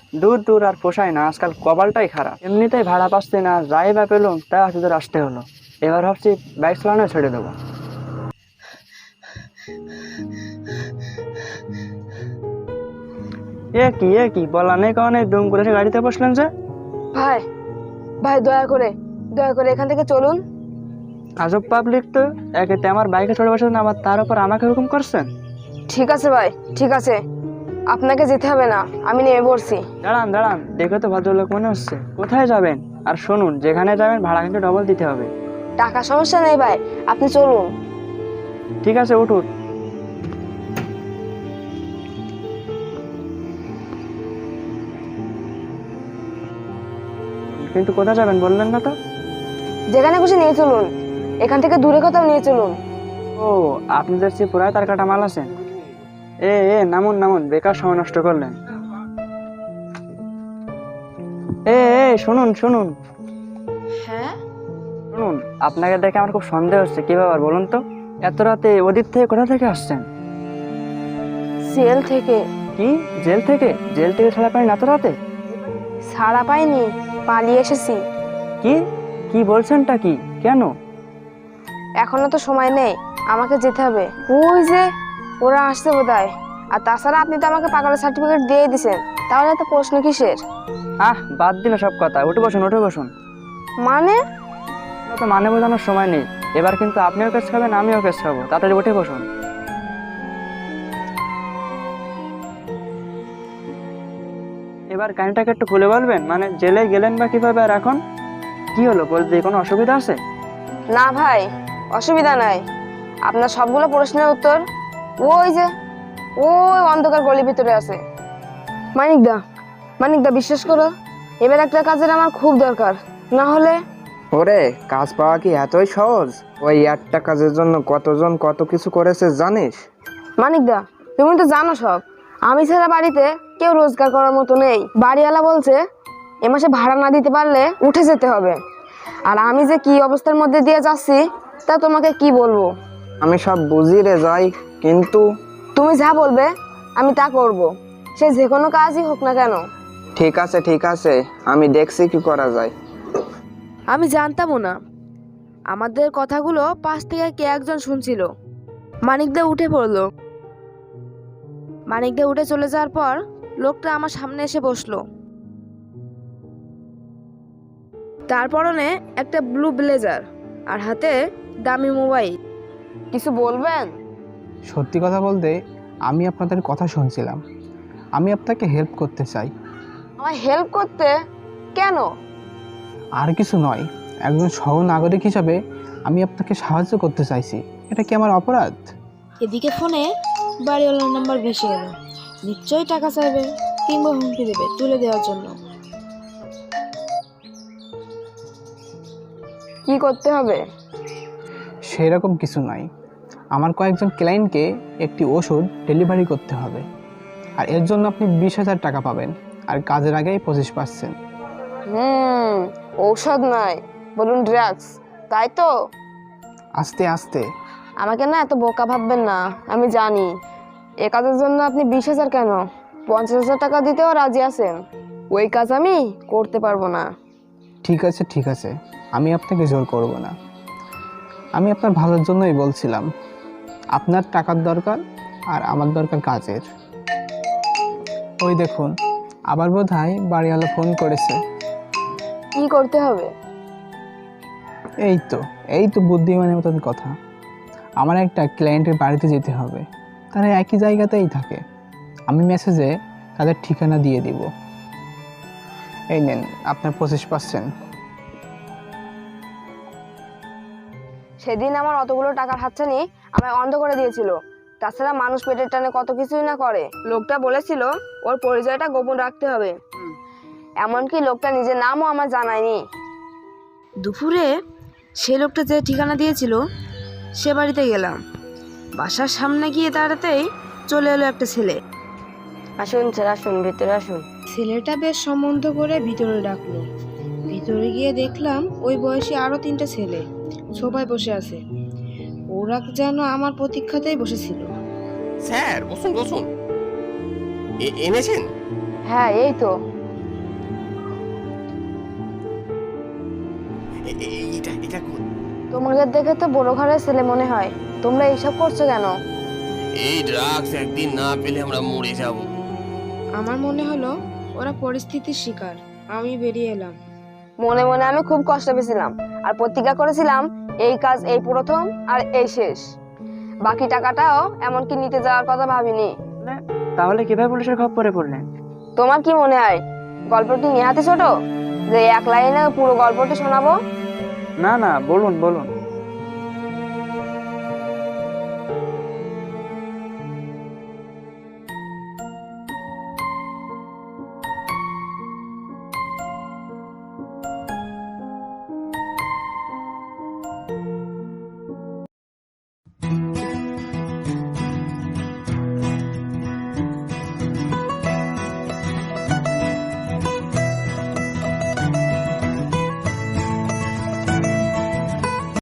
দূর দূর আর পোষায় না, আজকাল কপালটাই খারাপ। এমনিতেই ভাড়া পাচ্ছি না, যাই বা পেলাম তাই আসতে আসতে হলো। এবার ভাবছি বাইক চালানো ছেড়ে দেবো। এ কি বলা নেই কারণে দুম করে এসে গাড়িতে বসলেন যে? ভাই ভাই দয়া করে এখান থেকে চলুন। আজব পাবলিক তো, একেতে আমার বাইকে চড়ে বসেছেন, আবার তার উপর আমাকে হুকুম করছেন। ঠিক আছে ভাই, ঠিক আছে, আপনাকে যেতে হবে না, আমি নেমে পড়ছি। দাঁড়ান দাঁড়ান, দেখে তো ভদ্রলোক মনে হচ্ছে। কোথায় যাবেন? আর শুনুন, যেখানে যাবেন ভাড়া কিন্তু ডবল দিতে হবে। টাকা সমস্যা নেই ভাই, আপনি চলুন। ঠিক আছে, উঠুন। কিন্তু কোথায় যাবেন বললেন না তো? যেখানে খুশি নিয়ে চলুন, এখান থেকে দূরে কোথাও নিয়ে চলুন। ও, আপনাদের সে পুরাই তার কাটা মাল আছে। নামুন নামুন, বেকার সময় নষ্ট করলেন। শুনুন শুনুন হ্যাঁ, শুনুন, আপনাকে দেখে আমার খুব সন্দেহ হচ্ছে। কি ব্যাপার বলুন তো? এত রাতে ওদিক থেকে কোথা থেকে আসছেন? জেল থেকে। কি? জেল থেকে? জেল থেকে ছাড়া পারেন এত রাতে? ছাড়া পাইনি, পালিয়ে এসেছি। কি কি বলছেনটা কি? কেন? এখনো তো সময় নেই, আমাকে যেতে হবে। ওই যে ওরা আসছে বোধহয়। আর তাছাড়া আপনি তো আমাকে পাগলের সার্টিফিকেট দিয়ে দিয়েছেন, তাহলে তো প্রশ্ন কিসের? বাদ দিন সব কথা, উঠে বসুন উঠে বসুন। মানে? তো মানে বোঝানোর সময় নেই। এবার কিন্তু আপনিও কেস খাবেন, আমিও কেস খাবো। তাড়াতাড়ি উঠে বসুন। এবার কাহিনীটাকে একটু খুলে বলবেন, মানে জেলে গেলেন বা কিভাবে, আর এখন কি হলো বলতে, কোনো অসুবিধা আছে? না ভাই, অসুবিধা নাই। আপনার সবগুলো প্রশ্নের উত্তর ওই যে ওই অন্ধকার গলির ভিতরে আছে। মানিকদা, মানিকদা বিশ্বাস করো, এবার একটা কাজের আমার খুব দরকার, না হলে। ওরে, কাজ পাওয়া কি এতই সহজ? ওই একটা কাজের জন্য কতজন কত কিছু করেছে জানিস? মানিকদা, তুমি তো জানো সব। আমি ছাড়া বাড়িতে কেউ রোজগার করার মতো নেই। বাড়িওয়ালা বলছে এ মাসে ভাড়া না দিতে পারলে উঠে যেতে হবে। আর আমি যে কি অবস্থার মধ্যে দিয়ে যাচ্ছি তা তোমাকে কি বলবো। আমি সব বুঝি রে যাই, কিন্তু তুমি যা বলবে আমি তা করব, সে যে কোনো কাজই হোক না কেন। ঠিক আছে, আমি দেখছি কি করা যায়। আমি জানতামও না আমাদের কথাগুলো পাশ থেকে কে একজন শুনছিল। মানিকদা উঠে পড়লো। মানিকদা উঠে চলে যাওয়ার পর লোকটা আমার সামনে এসে বসলো। তার পরনে একটা ব্লু ব্লেজার আর হাতে দামি মোবাইল। কিছু বলবেন? সত্যি কথা বলতে, আমি আপনাদের কথা শুনছিলাম। আমি আপনাকে হেল্প করতে চাই। আমার হেল্প করতে? কেন? আর কিছু নয়, একজন সহনাগরিক হিসাবে আমি আপনাকে সাহায্য করতে চাইছি। এটা কি আমার অপরাধ? এদিকে ফোনে বাড়িওয়ালার নাম্বার ভেসে গেল। নিশ্চয়ই টাকা চাইবে কিংবা হুমকি দেবে তুলে দেওয়ার জন্য। কি করতে হবে? সেরকম কিছু নয়, আমার কয়েকজন ক্লায়েন্টকে একটি ওষুধ ডেলিভারি করতে হবে, আর এর জন্য আপনি 20,000 টাকা পাবেন, আর কাজের আগেই 25%। ঔষধ নয়, বলুন ড্রাগস, তাই তো? আস্তে আস্তে। আমাকে না এত বোকা ভাববেন না, আমি জানি। এ কাজের জন্য আপনি 20,000 কেন, 50,000 টাকা দিতেও রাজি আছেন। ওই কাজ আমি করতে পারবো না। ঠিক আছে, আমি আপনাকে জোর করব না। আমি আপনার ভালোর জন্যই বলছিলাম। আপনার টাকার দরকার আর আমার দরকার কাজের। ওই দেখুন, আবার বোধহয় বাড়িওয়ালা ফোন করেছে। কি করতে হবে? এই তো বুদ্ধিমানের মতন কথা। আমার একটা ক্লায়েন্টের বাড়িতে যেতে হবে, তারা একই জায়গাতেই থাকে। আমি মেসেজে তাদের ঠিকানা দিয়ে দিব। এই নেন আপনার 25%। সেদিন আমার অতগুলো টাকার হাতছানি আমায় অন্ধ করে দিয়েছিল। তাছাড়া মানুষ পেটের টানে কত কিছুই না করে। লোকটা বলেছিল ওর পরিচয়টা গোপন রাখতে হবে। এমনকি লোকটা নিজের নামও আমার জানায়নি। দুপুরে সে লোকটা যে ঠিকানা দিয়েছিল সে বাড়িতে গেলাম। বাসার সামনে গিয়ে দাঁড়াতেই চলে এলো একটা ছেলে। আসুন স্যার, আসুন, ভিতরে আসুন। ছেলেটা বেশ সম্বন্ধ করে ভিতরে ডাকলো। ভিতরে গিয়ে দেখলাম ওই বয়সী আরো 3টা ছেলে সোফায় বসে আছে। ওরা যেন আমার প্রতীক্ষাতেই বসেছিল। স্যার বসুন বসুন। এনেছেন? হ্যাঁ, এই তো। এটা তোমাদের দেখে তো বড় ঘরের ছেলে মনে হয়, তোমরা এইসব করছো কেন? এই ড্রাগস একদিন না পেলে আমরা মরে যাব। আমার মনে হলো ওরা পরিস্থিতির শিকার, আমি বেরিয়ে এলাম। মনে মনে আমি খুব কষ্ট পেয়েছিলাম আর প্রতিজ্ঞা করেছিলাম এই কাজ এই প্রথম আর এই শেষ। বাকি টাকাটাও এমনকি নিতে যাওয়ার কথা ভাবিনি। তাহলে কিভাবে পুলিশের খপ্পরে পড়লেন? তোমার কি মনে হয় গল্পটি নেহাতি ছোট যে এক লাইনে পুরো গল্পটি শোনাবো? না না, বলুন বলুন।